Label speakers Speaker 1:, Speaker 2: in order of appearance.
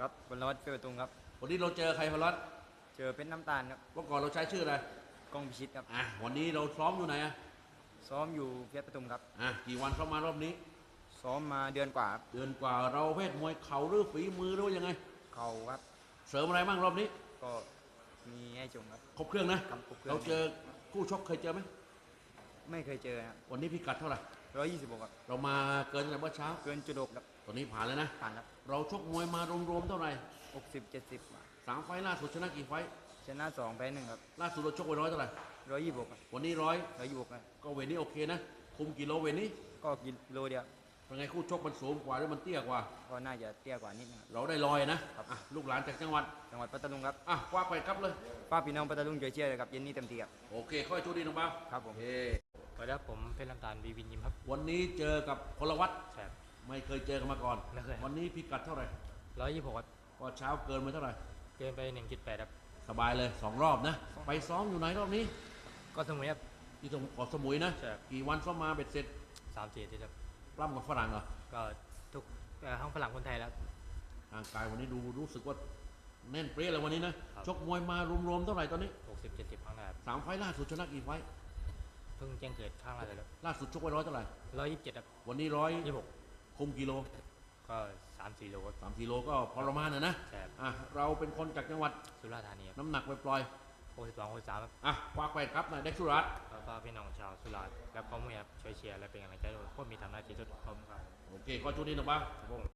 Speaker 1: ครับบนรถเปิดประตูครับ
Speaker 2: วันนี้เราเจอใครพลัด
Speaker 1: เจอเป็นน้ำตาลครับ
Speaker 2: เมื่อก่อนเราใช้ชื่ออะไร
Speaker 1: กล้องพิชิตครับ
Speaker 2: วันนี้เราซ้อมอยู่ไหน
Speaker 1: ซ้อมอยู่เพชรประทุมครับ
Speaker 2: กี่วันซ้อมมารอบนี้
Speaker 1: ซ้อมมาเดือนกว่าครับ
Speaker 2: เดือนกว่าเราเพศมวยเข่าหรือฝีมือหรือว่ายังไง
Speaker 1: เข่าครับ
Speaker 2: เสริมอะไรบ้างรอบนี้
Speaker 1: ก็มีให้จงครับ
Speaker 2: ครบเครื่องนะเราเจอคู่ชกเคยเจอไหม
Speaker 1: ไม่เคยเจอครับ
Speaker 2: วันนี้พิกัดเท่าไหร่
Speaker 1: 126ครับ
Speaker 2: เรามาเกินแต่เมื่อเช้า
Speaker 1: เกินจุด6ครับ
Speaker 2: ตอนนี้ผ่านเลยนะ
Speaker 1: ผ่านครับ
Speaker 2: เราชกมวยมารวมๆเท่าไหร่
Speaker 1: 60-70
Speaker 2: 3 ไฟล์ล่าสุดชนะกี่ไฟล์
Speaker 1: ชนะ2แพ้1ครับ
Speaker 2: ล่าสุดเราชกไปเท่าไหร่
Speaker 1: 126ครับ
Speaker 2: วันนี้
Speaker 1: 126ครับ
Speaker 2: ก็เวทนี้โอเคนะคุมกิโลเวทนี้
Speaker 1: ก็กิโลเดียว
Speaker 2: เป็นไงคู่ชกมันสูงกว่าหรือมันเตี้ยกว่า
Speaker 1: ก็น่าจะเตี้ยกว่านิดนึง
Speaker 2: เราได้นะครับลูกหลานจากจังหวัด
Speaker 1: ปัตตานีครับ
Speaker 2: คว้าไปครับเลย
Speaker 1: ป้าพี่น้องปัตตานีช่วยเชียร์เลยครับเย็นนี้เต็มที่ครับ
Speaker 2: โอเคค่อยโชคดีน้องบ้า
Speaker 1: ครับผม
Speaker 3: สวัสดีครับผมเพชรลำตาลวีวินยิมครับ
Speaker 2: วันนี้เจอกับพลวัต
Speaker 3: ใช่
Speaker 2: ไม่เคยเจอกันมาก่อน
Speaker 3: ไม่เคย
Speaker 2: วันนี้พิกัดเท่าไหร่
Speaker 3: 126ครับ
Speaker 2: ก็เช้าเกินมาเท่าไหร่
Speaker 3: เกินไป1.8ครับ
Speaker 2: สบายเลย2 รอบนะไปซ้อมอยู่ไหนรอบนี้
Speaker 3: ก็สมุยครับ
Speaker 2: ที่ตรงเกาะสมุยนะกี่วันซ้อมมาเบ็ดเสร็จ
Speaker 3: 3-4 ที่ครับ
Speaker 2: ปล้ำกับฝรั่งเหรอ
Speaker 3: ก็ทุกทั้งฝรั่งคนไทยแล้ว
Speaker 2: ร่างกายวันนี้ดูรู้สึกว่าแน่นเปรี้ยเลยวันนี้นะชกมวยมารวมๆเท่าไหร่ตอนนี้
Speaker 3: 60-70ครั้งนะครับ
Speaker 2: 3 ไฟล์ล่าสุดชนะกี่ไฟล์
Speaker 3: เพิ่งแจ้งเกิดข้างล่าสุดครับ
Speaker 2: ล่าสุดชกไปเท่าไหร่
Speaker 3: 127ครับ
Speaker 2: วันนี้126คุมกิโล
Speaker 3: ก็3-4 โลครับ
Speaker 2: 3-4 โลก็พอประมาณนะเราเป็นคนจากจังหวัด
Speaker 3: สุราษฎร์ธานีครับ
Speaker 2: น้ำหนักปล่อย
Speaker 3: 62-63ครับ
Speaker 2: คว้าไปครับนายเด็กสุรัตน์
Speaker 3: แล้วก็พี่น้องชาวสุราษฎร์และพ่อแม่ช่วยเชียร์และเป็นกำลังใจด้วยพวกมีทำหน้าที่สุดพร้อมกัน
Speaker 2: โอเคก็ชุดนี้นะบ้าง